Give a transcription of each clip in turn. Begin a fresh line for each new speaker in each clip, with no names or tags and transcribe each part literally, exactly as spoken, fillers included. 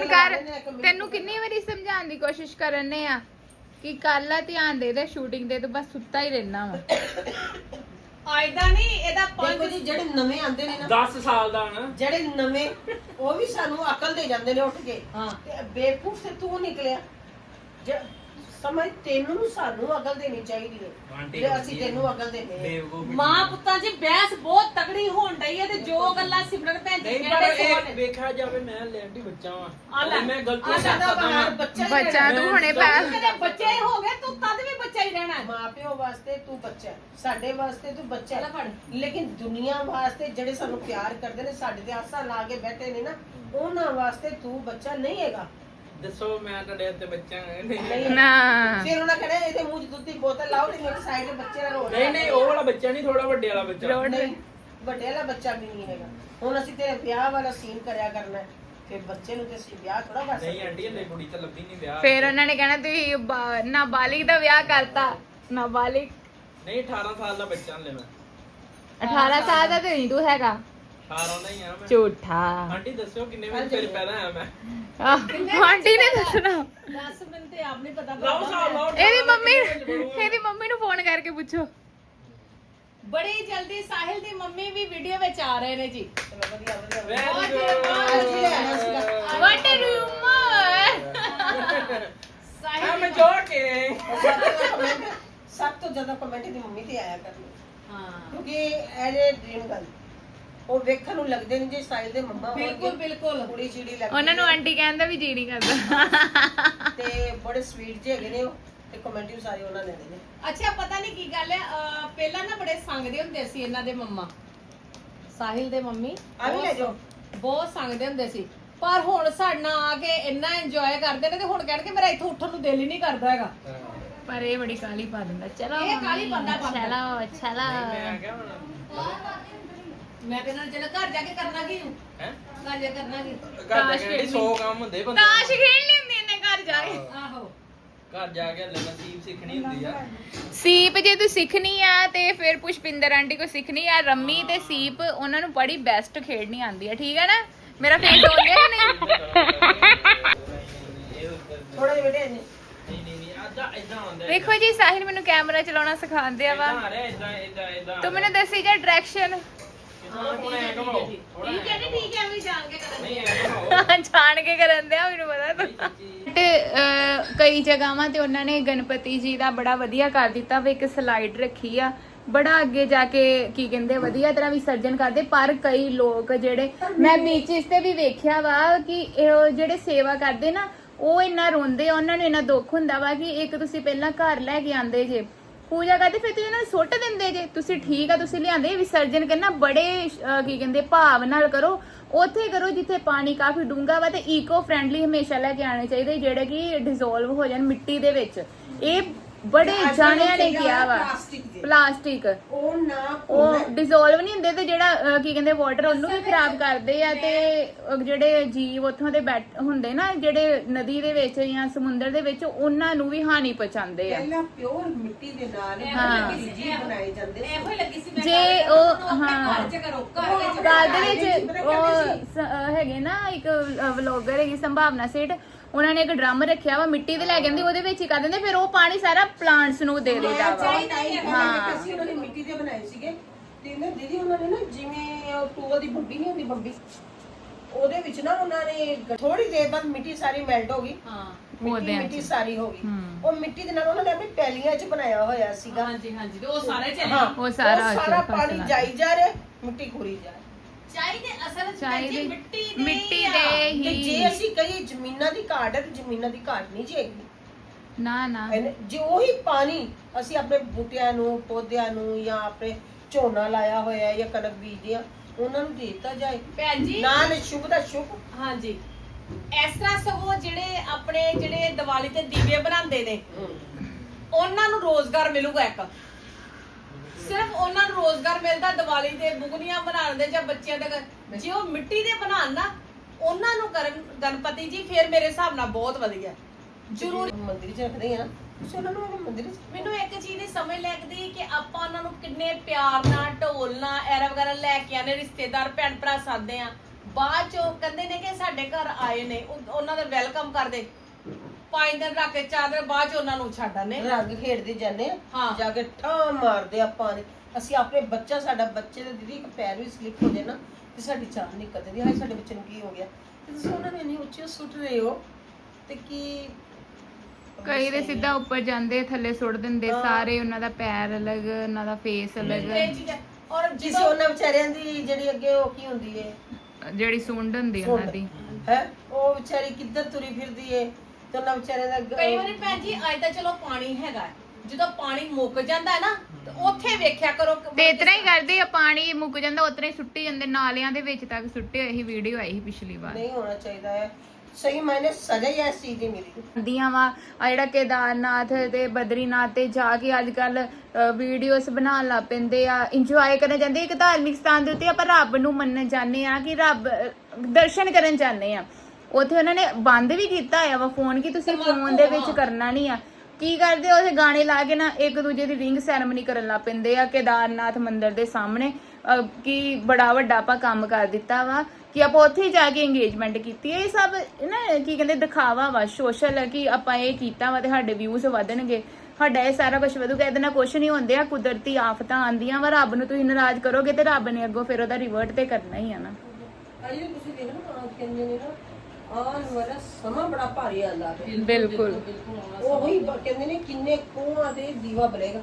ਕਰ ਤੈਨੂੰ ਕਿੰਨੀ ਵਾਰੀ ਸਮਝਾਉਣ ਦੀ ਕੋਸ਼ਿਸ਼ ਕਰਨੇ ਆ ਕਿ ਕੱਲ ਆ ਧਿਆਨ ਦੇ ਦੇ ਸ਼ੂਟਿੰਗ ਦੇ, ਤੂੰ ਬਸ ਸੁੱਤਾ ਹੀ ਰਹਿਣਾ ਵਾ।
ਆਇਦਾ ਨਹੀਂ ਇਹਦਾ ਪੰਜ
ਜੀ ਜਿਹੜੇ ਨਵੇਂ ਆਂਦੇ ਨੇ ਨਾ
ਦਸ ਸਾਲ ਦਾ ਨਾ,
ਜਿਹੜੇ ਨਵੇਂ ਉਹ ਵੀ ਸਾਨੂੰ ਅਕਲ ਦੇ ਜਾਂਦੇ ਨੇ ਉੱਠ ਕੇ।
ਹਾਂ
ਤੇ ਬੇਵਕੂਫ ਤੇ ਤੂੰ ਨਿਕਲਿਆ। ਜੇ ਸਮਝ ਤੈਨੂੰ ਸਾਨੂੰ ਅਕਲ ਦੇਣੀ ਚਾਹੀਦੀ ਹੈ ਜੇ ਅਸੀਂ ਤੈਨੂੰ ਅਕਲ ਦੇਨੇ
ਮਾਂ ਪੁੱਤਾਂ ਜੀ ਬਹਿਸ ਬਹੁਤ ਤਗੜੀ ਹੋਣ ਡਈ ਹੈ ਤੇ ਜੋ ਗੱਲਾਂ ਸਿਮਰਨ ਭੈਣ ਜੀ
ਨਹੀਂ ਪਰ ਇਹ ਵੇਖਿਆ ਜਾਵੇ ਮੈਂ ਲੈਂਡੀ ਬੱਚਾ ਵਾਂ, ਮੈਂ ਗਲਤੀ
ਆ
ਕਰਦਾ ਵਾਂ।
ਬੱਚਾ ਤੂੰ ਹੁਣੇ ਪੈ
ਤੇਰੇ ਬੱਚੇ ਹੀ ਹੋ ਗਏ ਤੂੰ ਤਦ ਵੀ ਬੱਚਾ ਹੀ ਰਹਿਣਾ।
ਮਾਂ ਪਿਓ ਵਾਸਤੇ ਤੂੰ ਬੱਚਾ ਹੈ, ਸਾਡੇ ਵਾਸਤੇ ਤੂੰ ਬੱਚਾ
ਲੈ ਫੜ।
ਹੈ, ਲੇਕਿਨ ਦੁਨੀਆ ਵਾਸਤੇ ਜਿਹੜੇ ਸਾਨੂੰ ਪਿਆਰ ਕਰਦੇ ਨੇ, ਸਾਡੇ ਤੇ ਆਸਾਂ ਲਾ ਕੇ ਬੈਠੇ ਨੇ ਨਾ, ਉਹਨਾਂ ਵਾਸਤੇ ਤੂੰ ਬੱਚਾ ਨਹੀਂ ਹੈਗਾ।
ਦੱਸੋ ਮੈਂ ਤੁਹਾਡੇ ਉੱਤੇ ਬੱਚਾ ਨਹੀਂ
ਨਹੀਂ
ਨਾ
ਫਿਰ ਉਹਨਾਂ ਕਹਿੰਦੇ ਇਹਦੇ ਮੂੰਹ 'ਚ ਦੁੱਧ ਦੀ ਬੋਤਲ ਲਾਓ ਤੇ ਮੇਰੇ ਸਾਈਡ ਤੇ ਬੱਚੇ ਦਾ ਰੋਣਾ।
ਨਹੀਂ ਨਹੀਂ ਉਹ ਵਾਲਾ ਬੱਚਾ ਨਹੀਂ, ਥੋੜਾ ਵੱਡੇ ਵਾਲਾ ਬੱਚਾ।
ਨਹੀਂ ਵੱਡੇ ਵਾਲਾ ਬੱਚਾ ਵੀ ਨਹੀਂ ਹੈਗਾ। ਹੁਣ ਅਸੀਂ ਤੇਰੇ ਵਿਆਹ ਵਾਲਾ ਸੀਨ ਕਰਿਆ ਕਰਨਾ ਹੈ, ਫਿਰ ਬੱਚੇ ਨੂੰ ਤੇ ਅਸੀਂ ਵਿਆਹ ਥੋੜਾ ਕਰ ਸਕਦੇ।
ਨਹੀਂ ਆਂਟੀ ਹਲੇ ਕੁੜੀ ਤਾਂ ਲੱਭੀ ਨਹੀਂ ਵਿਆਹ।
ਫਿਰ ਉਹਨਾਂ ਨੇ ਕਹਿਣਾ ਤੁਸੀਂ ਬਾ- ਨਾਬਾਲਿਗ ਦਾ ਵਿਆਹ ਕਰਤਾ। ਨਾਬਾਲਿਗ
ਨਹੀਂ ਅਠਾਰਾਂ ਸਾਲ ਦਾ ਬੱਚਾ ਹਲੇ ਮੈਂ।
ਅਠਾਰਾਂ ਸਾਲ ਦਾ ਤੇ ਨਹੀਂ ਤੂੰ ਹੈਗਾ,
ਅਠਾਰਾਂ ਦਾ ਹੀ ਆ ਮੈਂ।
ਝੂਠਾ।
ਆਂਟੀ ਦੱਸਿਓ ਕਿੰਨੇ ਵਜੇ ਫਿਰ ਪੈਦਾ ਆਇਆ ਮੈਂ?
ਆਹ, ਆਂਟੀ ਨੇ ਦੱਸਣਾ।
ਦਸ ਮਿੰਟ ਤੇ ਆਪ ਨਹੀਂ ਪਤਾ
ਲਾਓ ਸਾਲ ਲਾਓ।
ਇਹਦੀ ਮੰਮੀ ਇਹਦੀ ਮੰਮੀ ਨੂੰ ਫੋਨ ਕਰਕੇ ਪੁੱਛੋ।
ਬੜੀ ਜਲਦੀ ਸਾਹਿਲ ਦੀ ਮੰਮੀ ਵੀ ਵੀਡੀਓ ਵਿੱਚ ਆ ਰਹੇ ਨੇ ਜੀ।
ਚਲੋ ਵਧੀਆ ਵਧੀਆ
ਵੈਰੀ
ਅਸੀਂ ਲੈ ਆਉਣਾ ਸੀਗਾ।
Good.
What a rumour.
I'm joking.
ਸਭ ਤੋਂ ਕਮੈਂਟ ਸਭ ਤੋਂ ਜ਼ਿਆਦਾ ਕਮੈਂਟ ਦੀ ਮੰਮੀ ਤੇ ਆਇਆ ਕਰਨੀ,
ਹਾਂ
ਕਿਉਂਕਿ ਇਹਦੇ ਡ੍ਰੀਮ ਗੱਲ ਉਹ ਵੇਖਣ ਨੂੰ ਲੱਗਦੇ ਨੇ ਜੇ ਸਾਹਿਲ ਦੇ ਮੰਮਾ
ਬਿਲਕੁਲ ਬਿਲਕੁਲ
ਕੁੜੀ ਚਿੜੀ ਲੱਗਦੀ
ਉਹਨਾਂ ਨੂੰ
ਹੈ।
ਆਂਟੀ ਕਹਿੰਦਾ ਵੀ ਜੀ ਨਹੀਂ ਕਰਦਾ।
ਤੇ ਬੜੇ ਸਵੀਟ ਜਿਹੇ ਹੈਗੇ ਨੇ ਉਹ, ਤੇ ਕਮੈਂਟ ਵੀ ਸਾਰੇ ਉਹਨਾਂ ਨੇ ਦੇਣੇ ਨੇ।
ਅੱਛਾ ਪਤਾ ਨਹੀਂ ਕੀ ਗੱਲ ਹੈ ਅਹ ਪਹਿਲਾਂ ਨਾ ਬੜੇ ਸੰਗਦੇ ਹੁੰਦੇ ਸੀ ਇਹਨਾਂ ਦੇ ਮੰਮਾ, ਸਾਹਿਲ ਦੇ ਮੰਮੀ
ਆ ਵੀ ਲੈ ਜਾਓ।
ਬਹੁਤ ਸੰਗਦੇ ਹੁੰਦੇ ਸੀ, ਪਰ ਹੁਣ ਸਾਡੇ ਨਾਲ ਆ ਕੇ ਇੰਨਾ ਇੰਜੋਏ ਕਰਦੇ ਨੇ ਤੇ ਹੁਣ ਕਹਿਣਗੇ ਮੇਰਾ ਇੱਥੋਂ ਉੱਠਣ ਨੂੰ ਦਿਲ ਹੀ ਨਹੀਂ ਕਰਦਾ ਹੈਗਾ।
ਪਰ ਇਹ ਬੜੀ ਕਾਲੀ ਪਾ ਦਿੰਦਾ। ਚਲੋ
ਇਹ ਕਾਹਲੀ ਪਾਉਂਦਾ ਪਾਉਂਦਾ।
ਚਲੋ ਚਲੋ
ਮੈਂ ਕਿਹਾ ਹੁਣ
ਮੈਂ ਕਹਿੰਦਾ ਚਲੋ ਘਰ ਜਾ ਕੇ ਕਰਨਾ ਕੀ ਹੂੰ
ਹੈ
ਘਰ ਜਾ ਕਰਨਾ ਕੀ
ਘਰ ਦੇ ਕਹਿੰਦੇ ਸੌ ਕੰਮ ਹੁੰਦੇ ਬੰਦੇ
ਤਾਸ਼ ਖੇਡ ਲਈ ਹੁੰਦੀ ਇਹਨੇ ਘਰ ਜਾ ਕੇ।
ਆਹੋ
ਘਰ ਜਾ ਕੇ ਹਲੇ ਨਸੀਬ ਸਿੱਖਣੀ ਹੁੰਦੀ ਆ।
ਸੀਪ ਜੇ ਤੂੰ ਸਿੱਖਣੀ ਆ ਤੇ ਫਿਰ ਪੁਸ਼ਪਿੰਦਰ ਆਂਟੀ ਕੋ ਸਿੱਖਣੀ ਆ। ਰੰਮੀ ਤੇ ਸੀਪ ਉਹਨਾਂ ਨੂੰ ਬੜੀ ਬੈਸਟ ਖੇਡਣੀ ਆਉਂਦੀ ਆ, ਠੀਕ ਹੈ ਨਾ? ਮੇਰਾ ਫੇਸ ਹੋ ਗਿਆ ਨਹੀਂ?
ਥੋੜਾ ਜਿਹਾ ਬੇਟੇ ਨੇ
ਨਹੀਂ ਨਹੀਂ ਨਹੀਂ ਆਦਾ ਇਦਾਂ ਹੁੰਦਾ।
ਦੇਖੋ ਜੀ ਸਾਹਿਲ ਮੈਨੂੰ ਕੈਮਰਾ ਚਲਾਉਣਾ ਸਿਖਾਉਂਦੇ ਆ ਵਾ।
ਇਦਾਂ ਆ ਰਿਹਾ ਇਦਾਂ ਇਦਾਂ ਇਦਾਂ।
ਤੂੰ ਮੈਨੂੰ ਦੱਸੀ ਜਾ ਡਾਇਰੈਕਸ਼ਨ।
ਹੁਣ ਐ ਘਮਾਓ।
ਠੀਕ ਹੈ ਜੀ ਠੀਕ ਹੈ ਵੀ ਜਾਣ ਕੇ ਕਰਾਂਗੇ।
ਨਹੀਂ ਐ ਘਮਾਓ।
ਜਾਣ ਕੇ ਕਰਨ ਦਿਆ ਮੈਨੂੰ ਪਤਾ ਤੂੰ। ਤੇ ਅਹ, ਕਈ ਜਗ੍ਹਾਵਾਂ ਤੇ ਉਹਨਾਂ ਨੇ ਗਣਪਤੀ ਜੀ ਦਾ ਬੜਾ ਵਧੀਆ ਕਰ ਦਿੱਤਾ ਵਾ, ਇੱਕ ਸਲਾਈਡ ਰੱਖੀ ਆ, ਬੜਾ ਅੱਗੇ ਜਾ ਕੇ ਕੀ ਕਹਿੰਦੇ ਵਧੀਆ ਤਰ੍ਹਾਂ ਵਿਸਰਜਨ ਕਰਦੇ। ਪਰ ਕਈ ਲੋਕ ਜਿਹੜੇ ਮੈਂ ਬੀਚਿਸ ਤੇ ਵੀ ਵੇਖਿਆ ਵਾ ਕਿ ਇਹ ਜਿਹੜੇ ਸੇਵਾ ਕਰਦੇ ਨਾ ਉਹ ਇੰਨਾ ਰੋਂਦੇ ਆ, ਉਹਨਾਂ ਨੂੰ ਇੰਨਾ ਦੁੱਖ ਹੁੰਦਾ ਵਾ ਕਿ ਇੱਕ ਤੁਸੀਂ ਪਹਿਲਾਂ ਘਰ ਲੈ ਕੇ ਆਂਦੇ ਜੇ ਪੂਜਾ ਕਰਦੇ, ਫਿਰ ਤੁਸੀਂ ਉਹਨਾਂ ਨੂੰ ਸੁੱਟ ਦਿੰਦੇ ਜੇ। ਤੁਸੀਂ ਠੀਕ ਆ ਤੁਸੀਂ ਲਿਆਂਦੇ, ਵਿਸਰਜਨ ਕਰਨਾ ਬੜੇ ਅਹ, ਕੀ ਕਹਿੰਦੇ ਭਾਵ ਨਾਲ ਕਰੋ, ਉੱਥੇ ਕਰੋ ਜਿੱਥੇ ਪਾਣੀ ਕਾਫੀ ਡੂੰਘਾ ਵਾ। ਤੇ ਈਕੋ ਫ੍ਰੈਂਡਲੀ ਹਮੇਸ਼ਾ ਲੈ ਕੇ ਆਣੇ ਚਾਹੀਦੇ ਜਿਹੜੇ ਕਿ ਡਿਸੋਲਵ ਹੋ ਜਾਣ ਮਿੱਟੀ ਦੇ ਵਿੱਚ। ਇਹ ਬੜੇ ਜਾਣਿਆਂ ਨੇ ਕਿਹਾ ਵਾ ਪਲਾਸਟਿਕ
ਉਹ ਨਾ
ਉਹ ਡਿਸੋਲਵ ਨਹੀਂ ਹੁੰਦੇ ਤੇ ਜਿਹੜਾ ਅਹ, ਕੀ ਕਹਿੰਦੇ ਵਾਟਰ ਉਹਨੂੰ ਵੀ ਖਰਾਬ ਕਰਦੇ ਆ। ਤੇ ਅਹ, ਜਿਹੜੇ ਜੀਵ ਉੱਥੋਂ ਦੇ ਬੈਠ ਹੁੰਦੇ ਨਾ ਜਿਹੜੇ ਨਦੀ ਦੇ ਵਿੱਚ ਜਾਂ ਸਮੁੰਦਰ ਦੇ ਵਿੱਚ, ਉਹਨਾਂ ਨੂੰ ਵੀ ਹਾਨੀ ਪਹੁੰਚਾਉਂਦੇ ਆ।
ਪਹਿਲਾਂ ਪਿਓਰ ਮਿੱਟੀ ਦੇ ਨਾਲ
ਹਾਂ।
ਜੀ ਬਣਾਏ ਜਾਂਦੇ ਸੀ।
ਇਹੋ ਹੀ ਲੱਗੀ ਸੀ ਮੈਂ
ਜੇ ਉਹ ਹਾਂ
ਘਰ ਚ ਕਰੋ ਘਰ ਵਿੱਚ
ਘਰ ਦੇ ਵਿੱਚ ਉਹ ਸ- ਅਹ ਹੈਗੇ ਨਾ ਇੱਕ ਵਲੌਗਰ ਹੈਗੀ ਸੰਭਾਵਨਾ ਸੇਠ, ਉਹਨਾਂ ਨੇ ਇੱਕ ਡਰਮ ਰੱਖਿਆ ਵਾ ਮਿੱਟੀ ਦੇ ਲੈ ਕੇ ਆਂਦੇ, ਉਹਦੇ ਵਿੱਚ ਹੀ ਕਰ ਦਿੰਦੇ, ਫਿਰ ਉਹ ਪਾਣੀ ਸਾਰਾ ਪਲਾਂਟਸ ਨੂੰ ਦੇ ਦਿੰਦਾ ਵਾ।
ਹਾਂ ਅਸੀਂ ਉਹਨਾਂ ਨੇ ਮਿੱਟੀ ਦੇ ਬਣਾਏ ਸੀਗੇ ਤੇ ਨਾ ਦੀਦੀ ਉਹਨਾਂ ਨੇ ਨਾ ਜਿਵੇਂ ਟੂਲ ਦੀ ਬੰਬੀ ਨਹੀਂ ਹੁੰਦੀ ਬੰਬੀ, ਉਹਦੇ ਵਿੱਚ ਨਾ ਉਹਨਾਂ ਨੇ ਥੋੜੀ ਦੇਰ ਬਾਅਦ ਮਿੱਟੀ ਸਾਰੀ ਮੈਲਟ ਹੋ ਗਈ।
ਹਾਂ
ਮਿੱਟੀ ਮਿੱਟੀ ਸਾਰੀ ਹੋ ਗਈ। ਉਹ ਮਿੱਟੀ ਦੇ ਨਾਲ ਉਹਨਾਂ ਨੇ ਆਪਣੀ ਪੈਲੀਆਂ 'ਚ ਬਣਾਇਆ ਹੋਇਆ ਸੀਗਾ।
ਹਾਂਜੀ ਹਾਂਜੀ ਤੇ ਉਹ ਸਾਰੇ ਚਲੇ
ਹਾਂ
ਉਹ ਸਾਰਾ
ਸਾਰਾ
ਅੱਛਾ
ਪਾਣੀ
ਫਸਲਾਂ।
ਜਾਈ ਜਾ ਰਿਹਾ, ਮਿੱਟੀ ਖੁਰੀ ਜਾ ਰਹੀ।
ਚਾਹੀਦੇ ਅਸਲ ਚ
ਚਾਹੀਦੇ
ਮਿੱਟੀ ਦੇ
ਮਿੱਟੀ
ਆ।
ਦੇ
ਤੇ
ਹੀ
ਜੇ ਅਸੀਂ ਕਹੀਏ ਜ਼ਮੀਨਾਂ ਦੀ ਘਾਟ ਹੈ ਤੇ ਜ਼ਮੀਨਾਂ ਦੀ ਘਾਟ ਨਹੀਂ ਜੇਗੀ
ਨਾ ਨਾ
ਜੇ ਉਹੀ ਪਾਣੀ ਅਸੀਂ ਆਪਣੇ ਬੂਟਿਆਂ ਨੂੰ ਪੌਦਿਆਂ ਨੂੰ ਜਾਂ ਆਪਣੇ ਝੋਨਾ ਲਾਇਆ ਹੋਇਆ ਜਾਂ ਕਣਕ ਬੀਜਦੇ ਆ ਉਹਨਾਂ ਨੂੰ ਦੇ ਦਿੱਤਾ ਜਾਏ
ਭੈਣ ਜੀ
ਨਾਲ ਸ਼ੁਭ ਦਾ ਸ਼ੁਭ।
ਹਾਂਜੀ ਇਸ ਤਰ੍ਹਾਂ ਸਗੋਂ ਜਿਹੜੇ ਆਪਣੇ ਜਿਹੜੇ ਦੀਵਾਲੀ ਤੇ ਦੀਵੇ ਬਣਾਉਂਦੇ ਨੇ ਉਹਨਾਂ ਨੂੰ ਰੋਜ਼ਗਾਰ ਮਿਲੂਗਾ। ਇੱਕ ਸਿਰਫ ਉਹਨਾਂ ਨੂੰ ਰੋਜ਼ਗਾਰ ਮਿਲਦਾ ਦੀਵਾਲੀ ਤੇ ਬੁਗਨੀਆਂ ਬਣਾਉਣ ਦੇ ਜਾਂ ਬੱਚਿਆਂ ਦੇ ਘਰ। ਜੇ ਉਹ ਮਿੱਟੀ ਦੇ ਬਣਾਉਣ ਨਾ ਉਹਨਾਂ ਨੂੰ ਕਰਨ ਗਣਪਤੀ ਜੀ, ਫਿਰ ਮੇਰੇ ਹਿਸਾਬ ਨਾਲ ਬਹੁਤ ਵਧੀਆ। ਜ਼ਰੂਰ
ਮੰਦਿਰ 'ਚ ਰੱਖਦੇ ਆ ਤੁਸੀਂ ਉਹਨਾਂ ਨੂੰ ਮੰਦਿਰ 'ਚ।
ਮੈਨੂੰ ਇੱਕ ਚੀਜ਼ ਦੀ ਸਮਝ ਲੱਗਦੀ ਕਿ ਆਪਾਂ ਉਹਨਾਂ ਨੂੰ ਕਿੰਨੇ ਪਿਆਰ ਨਾਲ ਢੋਲ ਨਾਲ ਐਰਾ ਵਗੈਰਾ ਲੈ ਕੇ ਆਨੇ, ਰਿਸ਼ਤੇਦਾਰ ਭੈਣ ਭਰਾ ਸਾਦੇ ਆ, ਬਾਅਦ ਚੋਂ ਕਹਿੰਦੇ ਨੇ ਕਿ ਸਾਡੇ ਘਰ ਆਏ ਨੇ ਉਹ- ਉਹਨਾਂ ਦਾ ਵੈਲਕਮ ਕਰਦੇ ਪੰਜ ਦਿਨ ਰੱਖ ਕੇ ਚਾਰ ਦਿਨ ਬਾਅਦ ਚ ਉਹਨਾਂ ਨੂੰ ਛੱਡ ਆਨੇ
ਰੰਗ ਖੇਡਦੇ ਜਾਂਦੇ ਆ
ਹਾਂ।
ਜਾ ਕੇ ਠਾਂ ਮਾਰਦੇ ਆਪਾਂ ਨੇ। ਅਸੀਂ ਆਪਣੇ ਬੱਚਾ ਸਾਡਾ ਬੱਚੇ ਦੇ ਦੀਦੀ ਇੱਕ ਪੈਰ ਵੀ ਸਲਿੱਪ ਹੋ ਜਾਏ ਨਾ ਤੇ ਸਾਡੀ ਚਾਹ ਨਹੀਂ ਕਦੇ ਹਾਏ ਸਾਡੇ ਬੱਚੇ ਨੂੰ ਕੀ ਹੋ ਗਿਆ ਤੇ ਤੁਸੀਂ ਉਹਨਾਂ ਨੂੰ ਇੰਨੀ ਉੱਚੀ ਸੁੱਟ ਰਹੇ ਹੋ ਤੇ ਕੀ
ਕਈ ਦੇ ਸਿੱਧਾ ਉੱਪਰ ਜਾਂਦੇ ਥੱਲੇ ਸੁੱਟ ਦਿੰਦੇ ਸਾਰੇ, ਉਹਨਾਂ ਦਾ ਪੈਰ ਅਲੱਗ, ਉਹਨਾਂ ਦਾ ਫੇਸ ਅਲੱਗ,
ਇਹ ਚੀਜ਼ਾਂ ਔਰ
ਜਿਸੇ
ਜਦੋਂ
ਉਹਨਾਂ ਵਿਚਾਰਿਆਂ ਦੀ ਜਿਹੜੀ ਅੱਗੇ ਉਹ ਕੀ ਹੁੰਦੀ ਏ
ਜਿਹੜੀ ਸੁੰਡ ਹੁੰਦੀ ਉਹਨਾਂ ਦੀ।
ਹੈ ਉਹ ਵਿਚਾਰੀ ਕਿੱਧਰ ਤੁਰੀ ਫਿਰਦੀ ਏ ਤੇ ਉਹਨਾਂ ਵਿਚਾਰਿਆਂ ਦਾ
ਕਈ ਵਾਰੀ ਭੈਣ ਜੀ ਅੱਜ ਤਾਂ ਚਲੋ ਪਾਣੀ ਹੈਗਾ ਹੈ। ਜਦੋਂ ਪਾਣੀ ਮੁੱਕ ਜਾਂਦਾ ਹੈ ਨਾ ਤੇ ਉੱਥੇ ਵੇਖਿਆ ਕਰੋ ਕਿ
ਤੇ ਇਤਨਾ ਹੀ ਕਰਦੇ ਆ, ਪਾਣੀ ਮੁੱਕ ਜਾਂਦਾ ਉਤਨਾ ਹੀ ਸੁੱਟੀ ਜਾਂਦੇ, ਨਾਲਿਆਂ ਦੇ ਵਿੱਚ ਤੱਕ ਸੁੱਟੇ ਹੋਏ ਸੀ। ਵੀਡੀਓ ਆਈ ਸੀ ਪਿਛਲੀ ਵਾਰ।
ਨਹੀਂ ਹੋਣਾ ਚਾਹੀਦਾ ਹੈ। ਸਹੀ ਮਾਇਨੇ ਸਜ਼ਾ ਹੀ ਇਸ ਚੀਜ਼ ਦੀ ਮਿਲੀ
ਦੀਆਂ ਵਾ ਆ ਜਿਹੜਾ ਕੇਦਾਰਨਾਥ ਤੇ ਬਦਰੀਨਾਥ ਤੇ ਜਾ ਕੇ ਅੱਜ ਕੱਲ ਵੀਡੀਓਜ਼ ਬਣਾਉਣ ਲੱਗ ਪੈਂਦੇ ਆ, ਇੰਜੋਏ ਕਰਨ ਜਾਂਦੇ। ਇੱਕ ਧਾਰਮਿਕ ਸਥਾਨ ਦੇ ਉੱਤੇ ਆਪਾਂ ਰੱਬ ਨੂੰ ਮੰਨਣ ਜਾਂਦੇ ਆ ਕਿ ਰੱਬ ਅਹ, ਦਰਸ਼ਨ ਕਰਨ ਜਾਂਦੇ ਆ। ਉੱਥੇ ਉਹਨਾਂ ਨੇ ਬੰਦ ਵੀ ਕੀਤਾ ਹੋਇਆ ਵਾ ਫੋਨ ਕਿ ਤੁਸੀਂ ਫੋਨ ਦੇ ਵਿੱਚ ਕਰਨਾ ਨਹੀਂ ਆ। ਕੀ ਕਰਦੇ ਉੱਥੇ ਗਾਣੇ ਲਾ ਕੇ ਨਾ ਇੱਕ ਦੂਜੇ ਦੀ ਰਿੰਗ ਸੈਰਮਨੀ ਕਰਨ ਲੱਗ ਪੈਂਦੇ ਆ ਕੇਦਾਰਨਾਥ ਮੰਦਿਰ ਦੇ ਸਾਹਮਣੇ। ਕਿ ਬੜਾ ਵੱਡਾ ਆਪਾਂ ਕੰਮ ਕਰ ਦਿੱਤਾ ਵਾ ਕਿ ਆਪਾਂ ਉੱਥੇ ਜਾ ਕੇ ਇੰਗੇਜਮੈਂਟ ਕੀਤੀ ਹੈ। ਇਹ ਸਭ ਨਾ ਕੀ ਕਹਿੰਦੇ ਦਿਖਾਵਾ ਵਾ, ਸੋਸ਼ਲ, ਕਿ ਆਪਾਂ ਇਹ ਕੀਤਾ ਵਾ ਤੇ ਸਾਡੇ ਵਿਊਜ਼ ਵਧਣਗੇ, ਸਾਡਾ ਇਹ ਸਾਰਾ ਕੁਝ ਵਧੂਗਾ। ਇਹਦੇ ਨਾਲ ਕੁਝ ਨਹੀਂ ਹੁੰਦੇ ਆ, ਕੁਦਰਤੀ ਆਫਤਾਂ ਆਉਂਦੀਆਂ ਵਾ। ਰੱਬ ਨੂੰ ਤੁਸੀਂ ਨਾਰਾਜ਼ ਕਰੋਗੇ ਤੇ ਰੱਬ ਨੇ ਅੱਗੋਂ ਫਿਰ ਉਹਦਾ ਰਿਵਰਟ ਤੇ ਕਰਨਾ ਹੀ ਆ ਨਾ।
ਅਜੇ ਤੁਸੀਂ ਦੇਖ ਨਾ ਕਹਿੰਦੇ ਨੇ ਨਾ ਆਉਣ ਵਾਲਾ ਸਮਾਂ ਬੜਾ ਭਾਰੀ ਆਂਦਾ ਹੈ।
ਬਿਲਕੁਲ
ਉਹੀ ਬ- ਕਹਿੰਦੇ ਨੇ ਕਿੰਨੇ ਕੋਹਾਂ ਤੇ ਦੀਵਾ ਬਲੇਗਾ,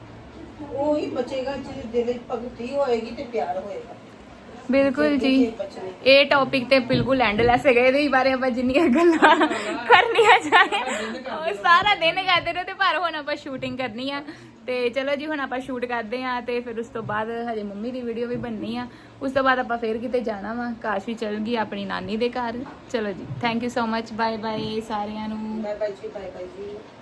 ਉਹੀ ਬਚੇਗਾ ਜਿਹਦੇ ਦਿਲ ਵਿੱਚ ਭਗਤੀ ਹੋਏਗੀ ਤੇ ਪਿਆਰ ਹੋਏਗਾ।
ਬਿਲਕੁਲ ਜੀ।
ਜਿਹਦੇ ਬਚਨੇ
ਇਹ ਟੌਪਿਕ ਤੇ ਬਿਲਕੁਲ ਐਂਡਲੈਸ ਹੈਗਾ, ਇਹਦੇ ਬਾਰੇ ਆਪਾਂ ਜਿੰਨੀਆਂ ਗੱਲਾਂ ਕਰਨੀਆਂ ਚਾਹੇ ਉਹ ਸਾਰਾ ਦਿਨ ਕਰਦੇ ਰਹੋ। ਤੇ ਪਰ ਹੁਣ ਆਪਾਂ ਸ਼ੂਟਿੰਗ ਕਰਨੀ ਆ ਤੇ ਚਲੋ ਜੀ ਹੁਣ ਆਪਾਂ ਸ਼ੂਟ ਕਰਦੇ ਆ ਤੇ ਫਿਰ ਉਸ ਤੋਂ ਬਾਅਦ ਹਜੇ ਮੰਮੀ ਦੀ ਵੀਡੀਓ ਵੀ ਬਣਨੀ ਆ। ਉਸ ਤੋਂ ਬਾਅਦ ਆਪਾਂ ਫੇਰ ਕਿਤੇ ਜਾਣਾ ਵਾ। ਕਾਸ਼ ਵੀ ਚੱਲ ਗਈ ਆਪਣੀ ਨਾਨੀ ਦੇ ਘਰ। ਚਲੋ ਜੀ, thank you so much, bye bye ਸਾਰਿਆਂ ਨੂੰ।
ਬਾਏ ਬਾਏ ਜੀ, ਬਾਏ ਬਾਏ ਜੀ।